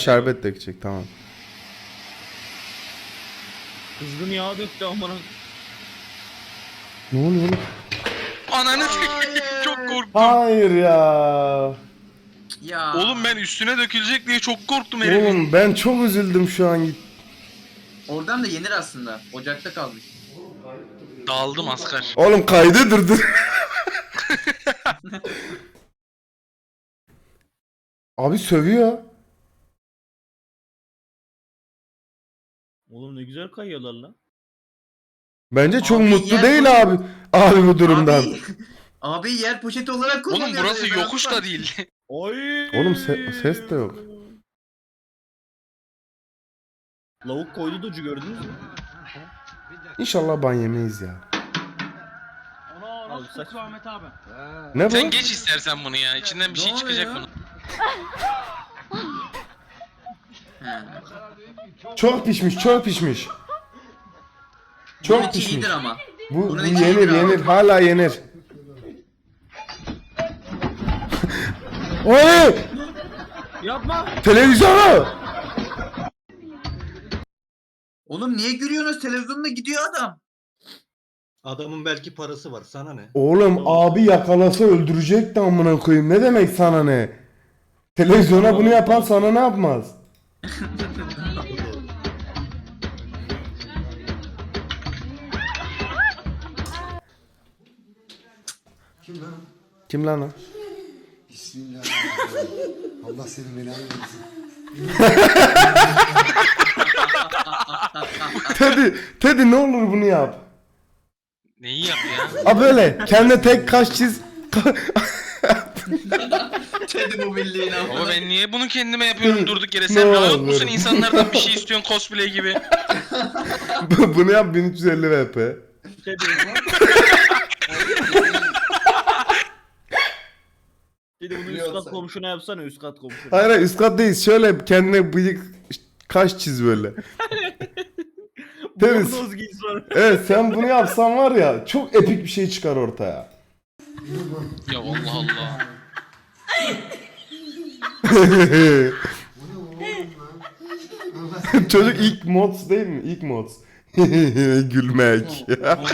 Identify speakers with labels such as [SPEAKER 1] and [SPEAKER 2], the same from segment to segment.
[SPEAKER 1] Şerbet dökecek, tamam.
[SPEAKER 2] Kızgın yağ döktü amına.
[SPEAKER 1] Ne oluyor oğlum?
[SPEAKER 3] Ananı s**eyim, çok korktum.
[SPEAKER 1] Hayır ya.
[SPEAKER 4] Ya.
[SPEAKER 3] Oğlum ben üstüne dökülecek diye çok korktum herifin.
[SPEAKER 1] Oğlum ben çok üzüldüm şu an.
[SPEAKER 4] Oradan da yenir aslında. Ocakta kalmış.
[SPEAKER 3] Dağıldım asker.
[SPEAKER 1] Oğlum kaydı durdur. Abi sövüyor.
[SPEAKER 2] Oğlum ne güzel kayıyorlar lan.
[SPEAKER 1] Bence çok
[SPEAKER 4] Abi
[SPEAKER 1] mutlu
[SPEAKER 4] yer
[SPEAKER 1] değil
[SPEAKER 4] poşeti-
[SPEAKER 1] abi. Abi bu durumdan.
[SPEAKER 4] Abi yer poşeti olarak kullanıyor.
[SPEAKER 3] Oğlum burası yokuş da değil.
[SPEAKER 2] Oy.
[SPEAKER 1] Oğlum ses de yok.
[SPEAKER 2] Lavuk koydu docu gördünüz mü?
[SPEAKER 1] İnşallah ban yemeyiz ya.
[SPEAKER 2] Abi saç.
[SPEAKER 1] Ne bu?
[SPEAKER 3] Sen geç istersen bunu ya. İçinden bir şey
[SPEAKER 4] Ne
[SPEAKER 3] çıkacak
[SPEAKER 4] oluyor?
[SPEAKER 3] bunun.
[SPEAKER 4] He.
[SPEAKER 1] Çok pişmiş, çok pişmiş.
[SPEAKER 4] Bunun
[SPEAKER 1] Çok
[SPEAKER 4] içi
[SPEAKER 1] pişmiş.
[SPEAKER 4] iyidir ama.
[SPEAKER 1] Bu
[SPEAKER 4] Bunun içi
[SPEAKER 1] yenir,
[SPEAKER 4] iyidir abi.
[SPEAKER 1] yenir. Hala yenir. Oy!
[SPEAKER 2] Yapma.
[SPEAKER 1] Televizyonu!
[SPEAKER 4] Oğlum niye gülüyorsunuz? Televizyonda gidiyor adam.
[SPEAKER 5] Adamın belki parası var, sana ne?
[SPEAKER 1] Oğlum abi yakalasa öldürecekti amına koyayım. Ne demek sana ne? Televizyona bunu yapan sana ne yapmaz? Kim lan o?
[SPEAKER 6] Bismillahirrahmanirrahim. Allah senin belanı versin.
[SPEAKER 1] Teddy ne olur bunu yap.
[SPEAKER 3] Neyi yap ya?
[SPEAKER 1] A böyle kendine tek kaş çiz.
[SPEAKER 4] Teddy bu bildiğin ama.
[SPEAKER 3] Baba ben niye bunu kendime yapıyorum durduk yere?
[SPEAKER 1] Ne
[SPEAKER 3] Sen rahat
[SPEAKER 1] olur.
[SPEAKER 3] musun? İnsanlardan bir şey istiyorsun cosplay gibi.
[SPEAKER 1] Bunu yap 1350 VP.
[SPEAKER 2] Şey diyorum lan. Dedi bunu üst kat komşuna yapsana, üst kat komşuna.
[SPEAKER 1] Hayır hayır, üst kattayız. Şöyle kendine bıyık kaş çiz böyle. Temiz.
[SPEAKER 2] Bornoz giy sonra.
[SPEAKER 1] Evet sen bunu yapsan var ya çok epik bir şey çıkar ortaya.
[SPEAKER 3] Ya Allah Allah.
[SPEAKER 1] Çocuk ilk mods değil mi? İlk mods. Gülmek.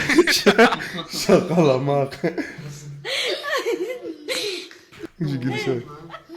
[SPEAKER 1] Şakalamak. Şu gülüşe bak.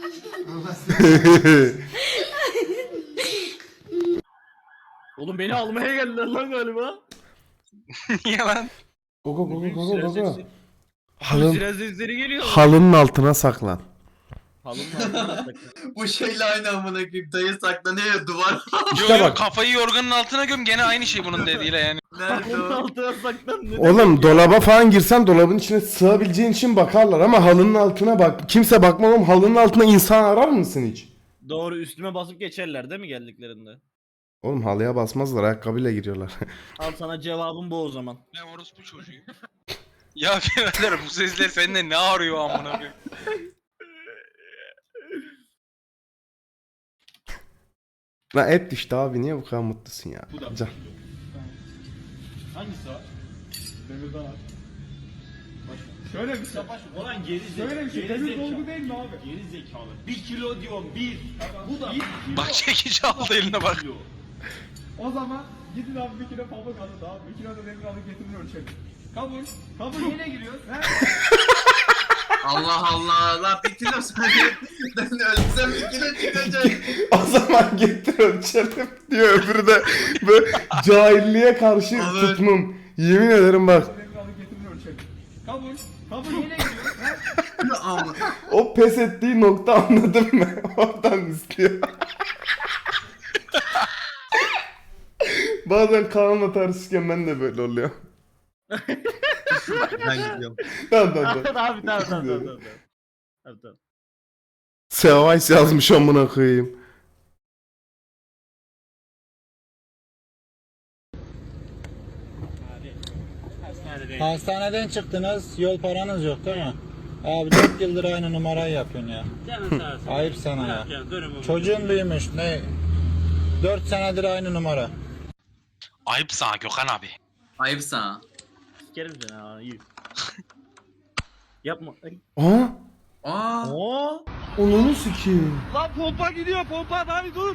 [SPEAKER 2] Oğlum beni almaya geldiler lan galiba.
[SPEAKER 3] Niye lan?
[SPEAKER 1] Gogo gogo
[SPEAKER 2] Büyük
[SPEAKER 1] gogo
[SPEAKER 2] silah
[SPEAKER 1] gogo.
[SPEAKER 2] sesi.
[SPEAKER 1] Halın,
[SPEAKER 2] Silah sesleri geliyor.
[SPEAKER 1] halının altına saklan.
[SPEAKER 2] Halının altına saklan.
[SPEAKER 4] Bu şeyle aynı amına koyayım. Dayı saklanıyor ya duvar.
[SPEAKER 1] İşte
[SPEAKER 3] Yo yo
[SPEAKER 1] bak.
[SPEAKER 3] kafayı yorganın altına göm gene aynı şey bunun dediğiyle yani.
[SPEAKER 4] Nerede
[SPEAKER 2] Halının
[SPEAKER 4] o?
[SPEAKER 2] altına saklan. Ne
[SPEAKER 1] Oğlum
[SPEAKER 2] demek ya?
[SPEAKER 1] dolaba falan girsen dolabın içine sığabileceğin için bakarlar ama halının altına bak. Kimse bakmaz oğlum, halının altına insan arar mısın hiç?
[SPEAKER 2] Doğru, üstüme basıp geçerler değil mi geldiklerinde?
[SPEAKER 1] Oğlum halıya basmazlar, ayakkabıyla giriyorlar.
[SPEAKER 2] Al sana cevabım bu o zaman.
[SPEAKER 3] Ne orospu çocuğu. Ya birader bu sesler sende ne arıyor amına koyayım?
[SPEAKER 1] Lan et düştü abi, niye bu kadar mutlusun ya? Can.
[SPEAKER 7] Hangisi var? Demirden var. Şöyle bir şey.
[SPEAKER 8] Ulan geri
[SPEAKER 7] Şöyle bir şey. Demir dolgu değil mi abi?
[SPEAKER 8] Geri zekalı. 1 kilo diyorum 1. Bu da 1 kilo.
[SPEAKER 3] Bak çekici aldı eline bak.
[SPEAKER 7] O zaman gidin abi 1 kilo pamuk alın abi. 1 kilo da demir alıp getirin ölçelim. Kabul. Kabul yine giriyoruz. He?
[SPEAKER 4] Allah Allah. La bir kilo sadece. Ben ölsem 2 kilo çıkacak.
[SPEAKER 1] O zaman getir ölçelim diyor, öbürü de böyle cahilliğe karşı
[SPEAKER 4] Evet.
[SPEAKER 1] tutmum. Yemin ederim bak,
[SPEAKER 7] Demir alıp getirin ölçelim. Kabul. Kabul yine giriyoruz. He?
[SPEAKER 4] Ama.
[SPEAKER 1] o pes ettiği nokta, anladın mı? Oradan istiyor. Bazen Kaan'la tartışırken ben de böyle oluyor.
[SPEAKER 5] Ben gidiyorum.
[SPEAKER 1] Tamam tamam
[SPEAKER 2] Abi
[SPEAKER 1] tamam.
[SPEAKER 2] tamam. Tamam.
[SPEAKER 1] Sevays yazmış amına koyayım.
[SPEAKER 9] Hastaneden çıktınız, yol paranız yok değil mi? Abi 4 yıldır aynı numarayı yapıyorsun ya. Ayıp sana ya. Çocuğun büyümüş, ne? 4 senedir aynı numara.
[SPEAKER 3] Ayıp sana Gökhan abi.
[SPEAKER 4] Ayıp sana.
[SPEAKER 2] Sikerim seni ha. İyi. Yapma. Ay.
[SPEAKER 1] Aa,
[SPEAKER 4] Aa.
[SPEAKER 2] Oo.
[SPEAKER 1] Onunu sikeyim.
[SPEAKER 7] Lan pompa gidiyor pompa abi dur.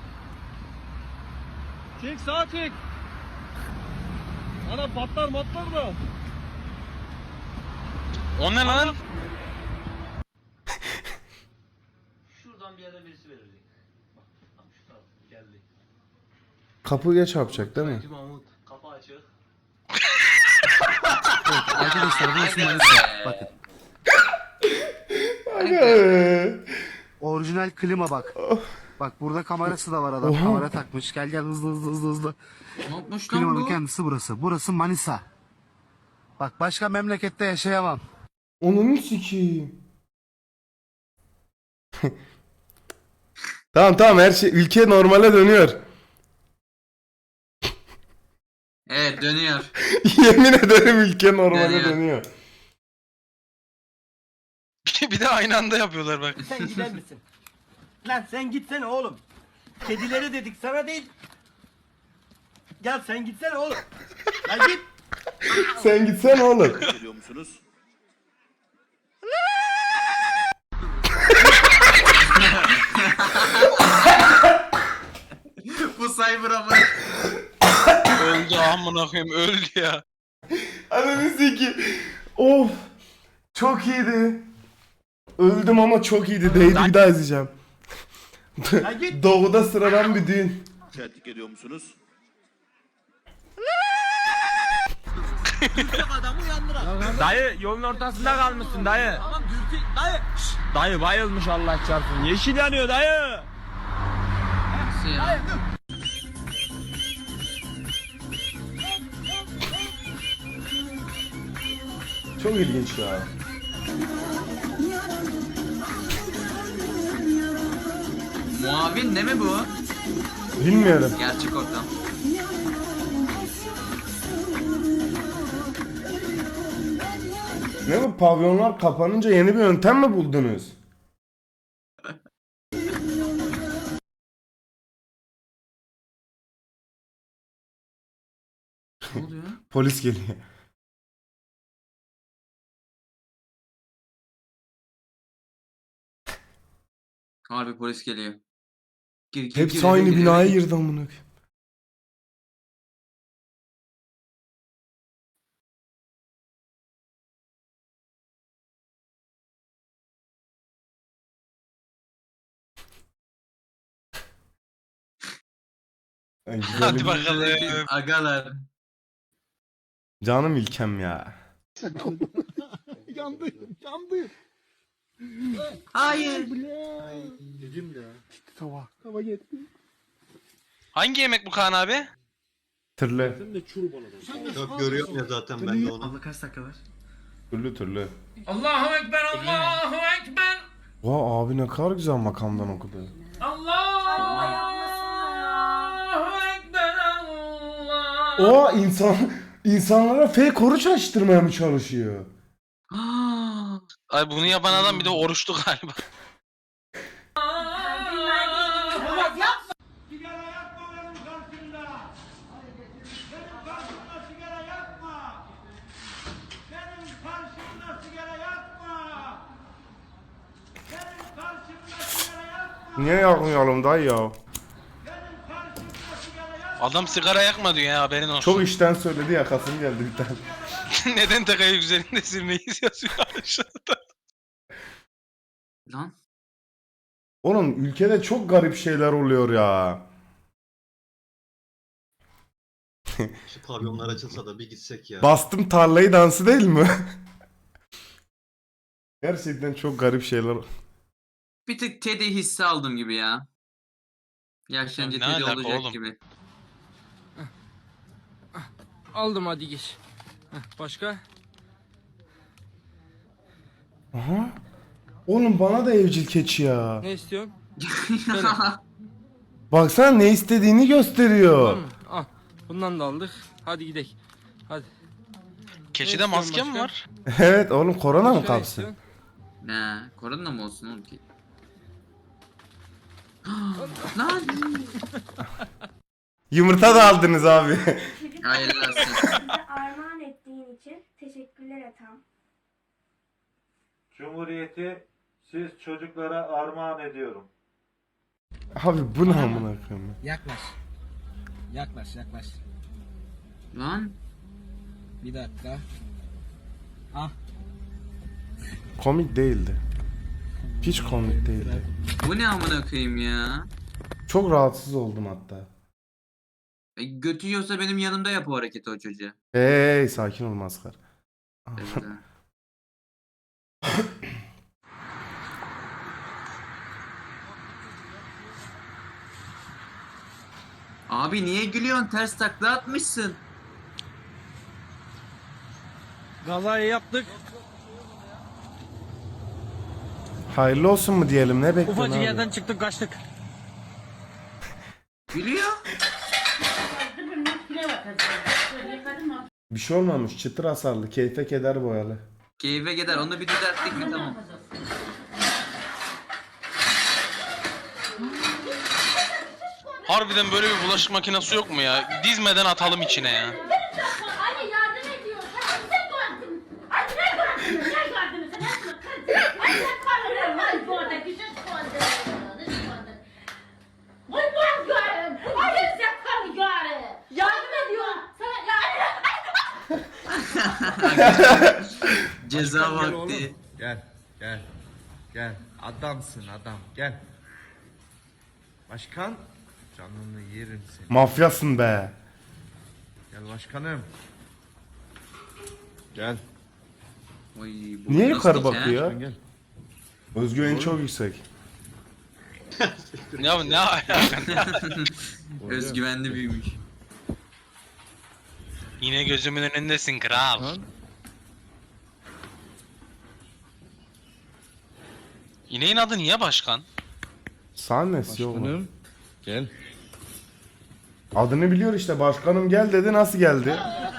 [SPEAKER 7] Çek sağa çek. Ana patlar da.
[SPEAKER 3] O ne lan?
[SPEAKER 8] Şuradan bir yere birisi verecek. Bak şu taraf geldi.
[SPEAKER 1] Kapıya çarpacak değil mi?
[SPEAKER 8] Mahmut kapı açık.
[SPEAKER 6] Arkadaşlar burası Manisa. Bakın. Orijinal klima bak. Bak burada kamerası da var adam.
[SPEAKER 1] Oha.
[SPEAKER 6] Kamera takmış. Gel gel hızlı.
[SPEAKER 4] Ne yapmış lan
[SPEAKER 6] Klimanın
[SPEAKER 4] bu?
[SPEAKER 6] kendisi burası. Burası Manisa. Bak başka memlekette yaşayamam.
[SPEAKER 1] Onunu sikeyim. Tamam her şey ülke normale dönüyor.
[SPEAKER 4] Evet dönüyor.
[SPEAKER 1] Yemin ederim ülke normale
[SPEAKER 4] Dönüyor.
[SPEAKER 1] dönüyor.
[SPEAKER 3] Bir de aynı anda yapıyorlar bak.
[SPEAKER 8] Sen gider misin? Lan sen gitsene oğlum. Kedileri dedik sana değil. Gel sen gitsene oğlum. Lan git.
[SPEAKER 1] Sen gitsene oğlum.
[SPEAKER 8] Geliyor musunuz?
[SPEAKER 4] Bu cyber ama.
[SPEAKER 3] Öldü amına koyayım öldü ya.
[SPEAKER 1] Ananı sikeyim. Of. Çok iyiydi. Öldüm ama çok iyiydi. Değdi bir daha izleyeceğim.
[SPEAKER 8] Lan git.
[SPEAKER 1] Doğuda sıradan bir düğün.
[SPEAKER 8] Şahitlik ediyor musunuz?
[SPEAKER 2] Dayı yolun ortasında kalmışsın dayı. Tamam dürtü dayı. Dayı bayılmış Allah çarpsın. Yeşil yanıyor dayı.
[SPEAKER 4] Nasıl ya?
[SPEAKER 1] Çok ilginç ya.
[SPEAKER 4] Muavin ne mi bu?
[SPEAKER 1] Bilmiyorum.
[SPEAKER 4] Gerçek ortam.
[SPEAKER 1] Ne bu pavyonlar kapanınca yeni bir yöntem mi buldunuz?
[SPEAKER 4] Ne oluyor?
[SPEAKER 1] Polis geliyor.
[SPEAKER 4] Harbi polis geliyor. Gir,
[SPEAKER 1] Hepsi aynı binaya girdi amına koyayım. Ay,
[SPEAKER 3] Hadi
[SPEAKER 1] güzelim.
[SPEAKER 3] bakalım.
[SPEAKER 4] Agalar.
[SPEAKER 1] Canım ülkem ya.
[SPEAKER 4] Hayır.
[SPEAKER 3] Hangi yemek bu Kaan abi?
[SPEAKER 1] Tırlı.
[SPEAKER 5] Yok görüyorum ya zaten ben de onu.
[SPEAKER 4] Abla kaç dakika var?
[SPEAKER 1] Türlü.
[SPEAKER 2] Allahu ekber Allahu ekber.
[SPEAKER 1] Vay abi ne kadar güzel makamdan okudu.
[SPEAKER 2] Allahu ekber Allah.
[SPEAKER 1] O insanlara fake oruç açtırmaya mı çalışıyor?
[SPEAKER 3] Ay bunu yapan adam bir de oruçlu galiba.
[SPEAKER 7] Sigara yakma benim karşımda. Benim karşımda sigara yakma. Benim karşımda sigara yakma. Benim karşımda sigara yakma.
[SPEAKER 1] Niye yakmayalım dayı ya?
[SPEAKER 7] Benim karşımda sigara yakma.
[SPEAKER 3] Adam sigara yakma diyor ya haberin olsun.
[SPEAKER 1] Çok işten söyledi yakasım geldi bir tane.
[SPEAKER 3] Neden tekayı üzerinde silmeyiz yazıyor aşağıda.
[SPEAKER 4] Lan.
[SPEAKER 1] Oğlum ülkede çok garip şeyler oluyor ya.
[SPEAKER 5] Şu pavyonlar açılsa da bir gitsek ya.
[SPEAKER 1] Bastım tarlayı dansı değil mi? Gerçekten çok garip şeyler.
[SPEAKER 4] Bir tık Teddy hissi aldım gibi ya. Yaşlanınca
[SPEAKER 3] Ne
[SPEAKER 4] Teddy
[SPEAKER 3] alaka
[SPEAKER 4] olacak
[SPEAKER 3] oğlum?
[SPEAKER 4] gibi.
[SPEAKER 2] Aldım hadi geç. Başka?
[SPEAKER 1] Aha. Oğlum bana da evcil keçi ya.
[SPEAKER 2] Ne istiyorsun?
[SPEAKER 1] Baksana ne istediğini gösteriyor.
[SPEAKER 2] Al. Bundan da aldık. Hadi gidelim. Hadi.
[SPEAKER 3] Keçide
[SPEAKER 2] Ne
[SPEAKER 3] maske mi
[SPEAKER 2] istiyorsun
[SPEAKER 3] var?
[SPEAKER 1] Evet oğlum korona mı
[SPEAKER 2] Başka ne
[SPEAKER 1] kapsın?
[SPEAKER 2] istiyorsun?
[SPEAKER 4] Ne? Korona mı olsun oğlum ki? Lan!
[SPEAKER 1] Yumurta da aldınız abi.
[SPEAKER 4] Hayırlı olsun.
[SPEAKER 10] Bize armağan ettiğin için teşekkürler Ethem.
[SPEAKER 9] Cumhuriyeti siz çocuklara armağan ediyorum.
[SPEAKER 1] Abi bu ne amına koyayım?
[SPEAKER 8] Yaklaş. Yaklaş.
[SPEAKER 4] Lan.
[SPEAKER 8] Bir dakika. Ah.
[SPEAKER 1] Komik değildi. Hiç komik değildi.
[SPEAKER 4] Bu ne amına koyayım ya?
[SPEAKER 1] Çok rahatsız oldum hatta.
[SPEAKER 4] Götü yiyorsa benim yanımda yap o hareketi o çocuğa.
[SPEAKER 1] Hey sakin ol maskar.
[SPEAKER 4] Evet, ha. Abi niye gülüyorsun? Ters takla atmışsın.
[SPEAKER 2] Kazayı yaptık.
[SPEAKER 1] Hayırlı olsun mu diyelim, ne bekliyorsun
[SPEAKER 2] Ufacık
[SPEAKER 1] abi?
[SPEAKER 2] yerden çıktık kaçtık.
[SPEAKER 4] Gülüyor.
[SPEAKER 1] Bir şey olmamış, çıtır hasarlı, keyfe keder boyalı.
[SPEAKER 4] Keyfe gider. Onu bir düzelttik mi tamam.
[SPEAKER 3] Harbiden böyle bir bulaşık makinesi yok mu ya? Dizmeden atalım içine ya.
[SPEAKER 10] Anne yardım ediyor. Sen bize gördün. Anne ne gördün? Ne gördün? Sen nasıl kız? Anne kalırım. Vay bu arada güzel kaldı. Vay ben görüm. Anne sen kalı görüm. Yardım ediyor. Sana
[SPEAKER 4] Ceza vakti.
[SPEAKER 7] Gel. Adamsın adam. Gel. Başkan. Canını yerim seni.
[SPEAKER 1] Mafyasın be.
[SPEAKER 7] Gel başkanım. Gel.
[SPEAKER 4] Oy, bu
[SPEAKER 1] Niye
[SPEAKER 4] nasıl
[SPEAKER 1] yukarı
[SPEAKER 4] ya?
[SPEAKER 1] bakıyor?
[SPEAKER 7] Gel.
[SPEAKER 1] Özgüveni çok yüksek.
[SPEAKER 3] Ya ne alaka?
[SPEAKER 4] Özgüvenli büyümüş.
[SPEAKER 3] Yine gözümün önündesin kral. İneğin adı niye başkan?
[SPEAKER 1] Sahnesi yok mu?
[SPEAKER 7] Başkanım. Gel.
[SPEAKER 1] Adını biliyor işte, başkanım gel dedi, nasıl geldi?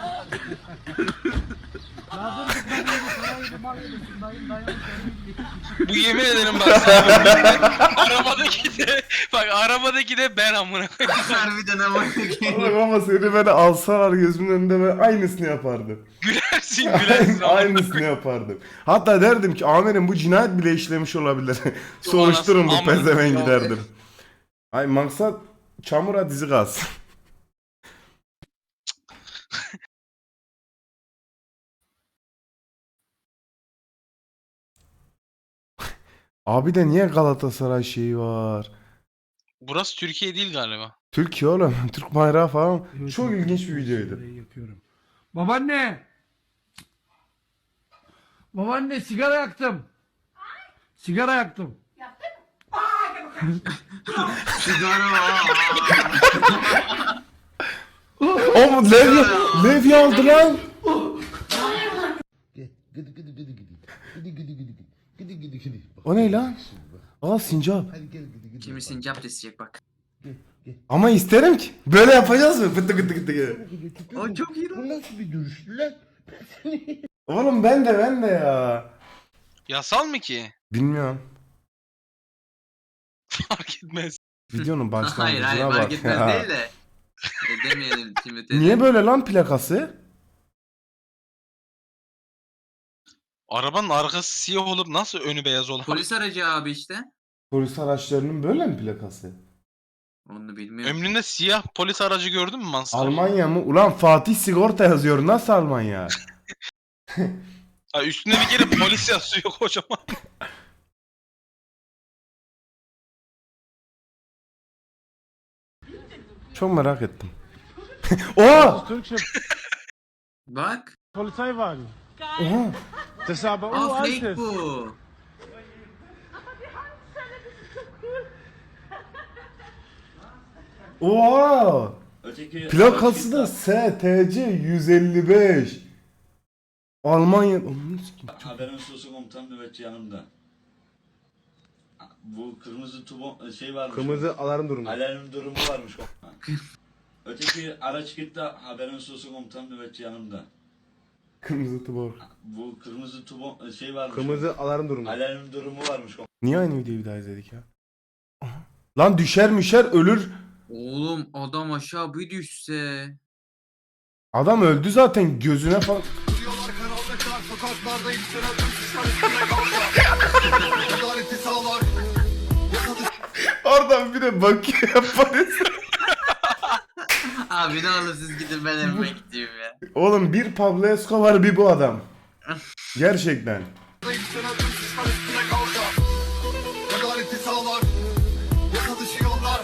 [SPEAKER 3] Bu yemin ederim bak sana. arabadaki de ben amına koyayım.
[SPEAKER 4] Harbiden ama.
[SPEAKER 1] Bak ama seni böyle alsalar gözümün önünde ben aynısını yapardım.
[SPEAKER 3] Gülersin.
[SPEAKER 1] Aynısını yapardım. Hatta derdim ki amirim bu cinayet bile işlemiş olabilir. Soruşturun bu
[SPEAKER 3] Aman
[SPEAKER 1] pezevengi
[SPEAKER 3] ya.
[SPEAKER 1] derdim. Ay maksat çamura dizi kalsın. Abi de niye Galatasaray şeyi var?
[SPEAKER 3] Burası Türkiye değil galiba.
[SPEAKER 1] Türkiye oğlum. Türk bayrağı falan. Çok ilginç bir videoydu.
[SPEAKER 7] Babaanne. Babaanne sigara yaktım. Sigara yaktım.
[SPEAKER 1] Oğlum levye aldı lan. O ne lan? Aa sincap.
[SPEAKER 4] Kimi sincap isteyecek bak.
[SPEAKER 1] Ama isterim ki. Böyle yapacağız mı? Fıtı fıtı fıtı.
[SPEAKER 4] O çok iyi lan.
[SPEAKER 1] Oğlum ben de ya.
[SPEAKER 3] Yasal mı ki?
[SPEAKER 1] Bilmiyorum.
[SPEAKER 3] Fark etmez.
[SPEAKER 1] Videonun
[SPEAKER 4] Hayır
[SPEAKER 1] başlangıcına
[SPEAKER 4] fark
[SPEAKER 1] bak
[SPEAKER 4] etmez
[SPEAKER 1] ya.
[SPEAKER 4] değil de. Demeyelim şimdi.
[SPEAKER 1] Niye böyle lan plakası?
[SPEAKER 3] Arabanın arkası siyah olup nasıl önü beyaz olur?
[SPEAKER 4] Polis aracı abi işte.
[SPEAKER 1] Polis araçlarının böyle mi plakası?
[SPEAKER 4] Onu bilmiyorum.
[SPEAKER 3] Ömründe siyah polis aracı gördün mü Mansur?
[SPEAKER 1] Almanya mı? Ulan Fatih sigorta yazıyor. Nasıl Almanya?
[SPEAKER 3] Ha, üstünde bir kere polis yazıyor kocaman.
[SPEAKER 1] Çok merak ettim. Oha!
[SPEAKER 4] Bak.
[SPEAKER 9] Polizeiwagen.
[SPEAKER 1] Oha!
[SPEAKER 9] Das ist aber
[SPEAKER 4] Aa fake bu.
[SPEAKER 1] Oha! Plakası da STC 155. Almanya.
[SPEAKER 9] Haberin sosu komutan nöbetçi yanımda. Bu kırmızı şey varmış.
[SPEAKER 7] Kırmızı alarm durumu.
[SPEAKER 9] Alarm durumu varmış. Öteki araç gitti, haberin sosu komutan nöbetçi yanımda.
[SPEAKER 1] Kırmızı tubor.
[SPEAKER 9] Bu kırmızı şey varmış.
[SPEAKER 7] Kırmızı alarm durumu.
[SPEAKER 9] Alarm durumu varmış.
[SPEAKER 1] Niye aynı videoyu bir daha izledik ya? Aha. Lan düşer ölür.
[SPEAKER 4] Oğlum adam aşağı bir düşse.
[SPEAKER 1] Adam öldü zaten, gözüne falan.
[SPEAKER 6] Sokaklarda yükselen suçlar üstüne kalka. Adaleti sağlar.
[SPEAKER 1] Oradan bir de bakıyor polis.
[SPEAKER 4] Abi ne olur siz gidin ben evime gideyim ya.
[SPEAKER 1] Oğlum bir Pablo Escobar bir bu adam. Gerçekten.
[SPEAKER 6] Yükselen suçlar üstüne kalka. Adaleti sağlar. Yasa dışı yollar.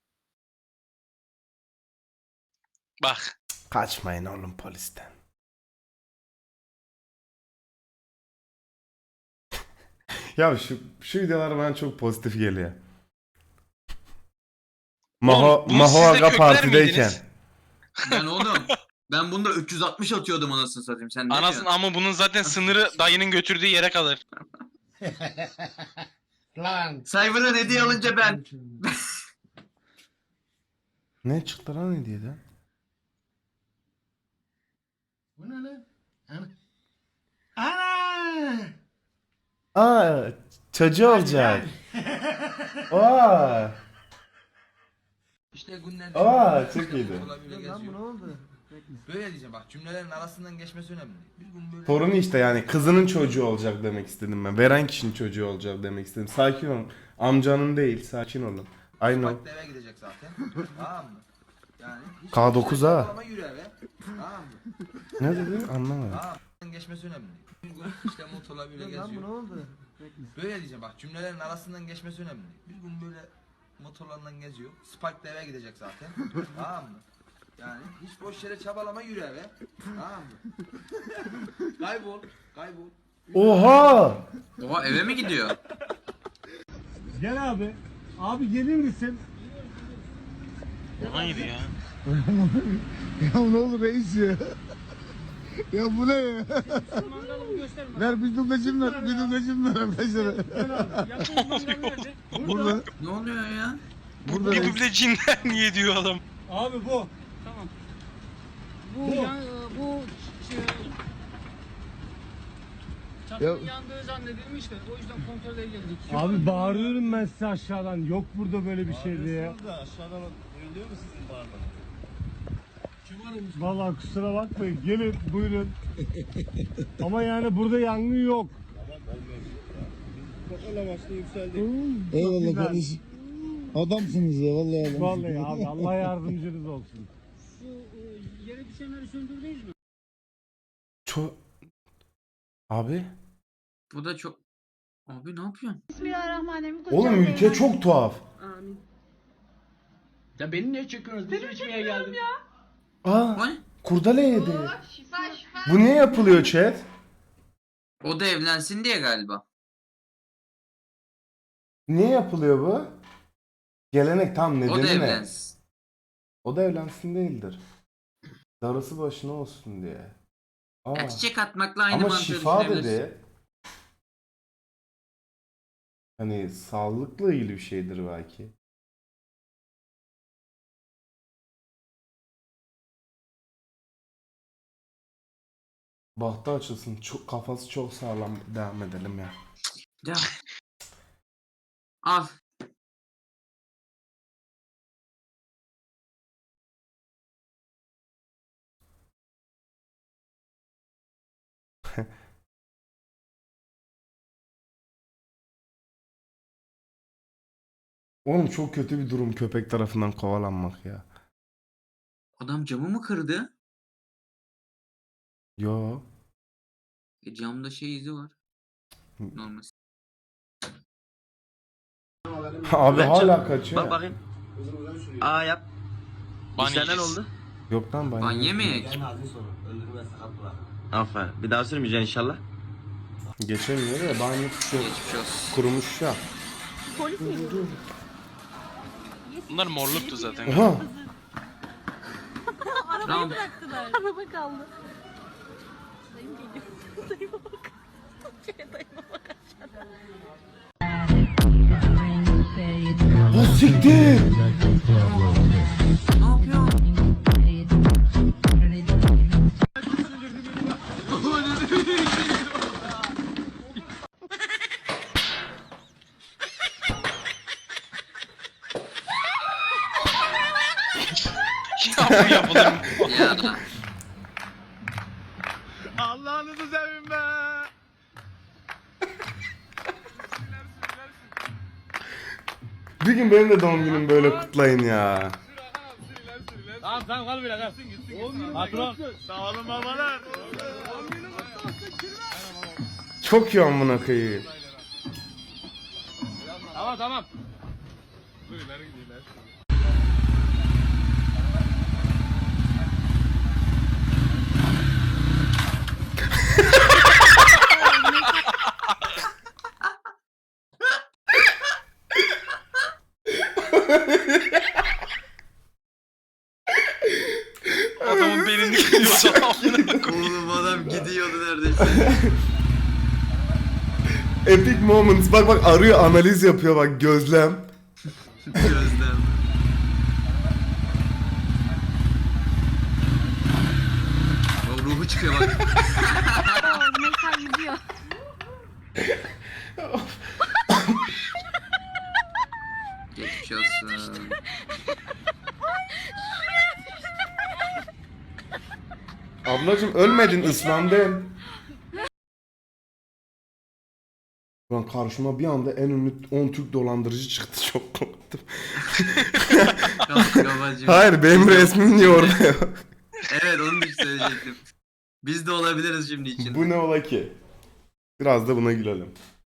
[SPEAKER 3] Bak.
[SPEAKER 1] Kaçmayın oğlum polisten. Ya şu videolar bana çok pozitif geliyor.
[SPEAKER 3] Oğlum, bunu siz de
[SPEAKER 1] Maho Aga
[SPEAKER 3] kökler
[SPEAKER 1] partideyken.
[SPEAKER 3] miydiniz?
[SPEAKER 4] Ben oğlum. Ben bunda 360 atıyordum anasını satayım. Sen ne
[SPEAKER 3] Anasın
[SPEAKER 4] diyorsun?
[SPEAKER 3] ama bunun zaten sınırı dayının götürdüğü yere kalır.
[SPEAKER 4] Cyber'ın hediye alınca ben.
[SPEAKER 1] Ne çıktı lan hediyeden?
[SPEAKER 6] Bu ne lan?
[SPEAKER 1] Aa, çocuğu olacak. Aa.
[SPEAKER 8] İşte günler
[SPEAKER 1] Çok iyiydi.
[SPEAKER 8] Böyle diyeceğim bak, cümlelerin arasından geçmesi önemli. Bir gün böyle
[SPEAKER 1] Torunu işte, yani kızının çocuğu olacak demek istedim ben. Veren kişinin çocuğu olacak demek istedim. Sakin olun. Amcanın değil, sakin olun. I know.
[SPEAKER 8] bak eve gidecek zaten. Tamam mı? Yani hiç
[SPEAKER 1] K9 ha.
[SPEAKER 8] ama yürü eve. Tamam mı?
[SPEAKER 1] Ne dedi? Anlamadım.
[SPEAKER 8] Tamam. Geçmesi önemli. Bir gün işte motorla böyle geziyor. Böyle diyeceğim bak, cümlelerin arasından geçmesi önemli. Bir gün böyle motorlarla geziyor. Spark da eve gidecek zaten. Tamam mı? Yani hiç boş yere çabalama, yürü eve. Tamam mı? Kaybol.
[SPEAKER 1] Oha!
[SPEAKER 4] Oha eve mi gidiyor?
[SPEAKER 7] Gel abi. Abi gelir misin?
[SPEAKER 3] Hayır ya.
[SPEAKER 6] Ya ne olur reis ya. Ya bu ne ya? Ver bir dublajım ver. Bir dublajım ver arkadaşlar. Burada.
[SPEAKER 4] Ne oluyor ya?
[SPEAKER 6] Burada
[SPEAKER 3] Bir
[SPEAKER 6] reis.
[SPEAKER 3] duble cinden niye diyor adam.
[SPEAKER 7] Abi bu.
[SPEAKER 6] Ya,
[SPEAKER 7] Yandığı zannedilmiş de o yüzden kontrole geldik. Abi bağırıyorum ben size aşağıdan. Yok burada böyle bir şey diye. Aşağıdan duyuluyor mu sizin bağırmanız? Vallahi kusura bakmayın. Gelin buyurun. Ama yani burada yangın yok.
[SPEAKER 6] eyvallah kardeşim. Adamsınız ya vallahi adamsınız.
[SPEAKER 7] Vallahi abi Allah yardımcınız olsun.
[SPEAKER 1] Çok... Abi?
[SPEAKER 4] Bu da çok... Abi ne yapıyorsun?
[SPEAKER 10] Bismillahirrahmanirrahim.
[SPEAKER 1] Oğlum ülke çok tuhaf.
[SPEAKER 8] Ya beni niye çekiyorsunuz? Bizim içmeye geldim.
[SPEAKER 1] Aa,
[SPEAKER 4] O ne?
[SPEAKER 1] kurdele yedi. Bu niye yapılıyor chat?
[SPEAKER 4] O da evlensin diye galiba.
[SPEAKER 1] Niye yapılıyor bu? Gelenek tam
[SPEAKER 4] O da
[SPEAKER 1] nedeni ne?
[SPEAKER 4] evlensin.
[SPEAKER 1] O da evlensin değildir. Darısı başına olsun diye. Aa.
[SPEAKER 4] Ya çiçek atmakla aynı
[SPEAKER 1] Ama
[SPEAKER 4] mantığı
[SPEAKER 1] şifa
[SPEAKER 4] düşünebilirsin.
[SPEAKER 1] dedi. Hani sağlıkla ilgili bir şeydir belki. Bahtı açılsın. Çok, kafası çok sağlam. Devam edelim ya.
[SPEAKER 4] Ya. Al.
[SPEAKER 1] Oğlum çok kötü bir durum köpek tarafından kovalanmak ya.
[SPEAKER 4] Adam camı mı kırdı?
[SPEAKER 1] Yo.
[SPEAKER 4] Camda şey izi var. Normal.
[SPEAKER 1] Abi hala kaçıyor.
[SPEAKER 8] Bak bakayım. Aa yap.
[SPEAKER 3] Ban
[SPEAKER 8] İşler
[SPEAKER 3] yiyeceğiz.
[SPEAKER 8] oldu?
[SPEAKER 1] Yok lan
[SPEAKER 4] Ban yemeyek.
[SPEAKER 8] Aferin. Bir daha sürmeyeceksin inşallah.
[SPEAKER 1] Geçemiyor ya. Banyası çok
[SPEAKER 4] Geçmiş olsun.
[SPEAKER 1] kurumuş ya.
[SPEAKER 3] Bunlar morluktu zaten.
[SPEAKER 1] Oha.
[SPEAKER 4] Tamam.
[SPEAKER 10] Bıraktılar. Araba kaldı. Dayım geliyor. Dayıma bak. Dayıma bak aşağıda.
[SPEAKER 1] O siktir.
[SPEAKER 4] Ne yapıyorsun?
[SPEAKER 3] Ya bu yapılır mı?
[SPEAKER 4] Ya.
[SPEAKER 7] Allah'ınızı sevin be.
[SPEAKER 1] Bir gün benim de doğum günüm böyle kutlayın ya.
[SPEAKER 7] Tamam tamam kal bile kal. Patron. Sağ olun babalar.
[SPEAKER 1] Çok iyi amına koyayım.
[SPEAKER 7] Tamam tamam.
[SPEAKER 3] Adamın belini kırıyordu.
[SPEAKER 4] Oğlum adam gidiyordu neredeyse.
[SPEAKER 1] Epic moments. Bak bak arıyor, analiz yapıyor bak, gözlem.
[SPEAKER 4] Gözlem. O ruhu çıkıyor bak.
[SPEAKER 10] Mekan gidiyor.
[SPEAKER 4] Geçmiş olsun.
[SPEAKER 1] Ablacım ölmedin, ıslandın. Lan karşıma bir anda en ünlü 10 Türk dolandırıcı çıktı, çok korktum. Hayır, benim resmim niye orada yok?
[SPEAKER 4] Evet onu da söyleyecektim. Biz de olabiliriz şimdi için.
[SPEAKER 1] Bu ne ola ki? Biraz da buna gülelim.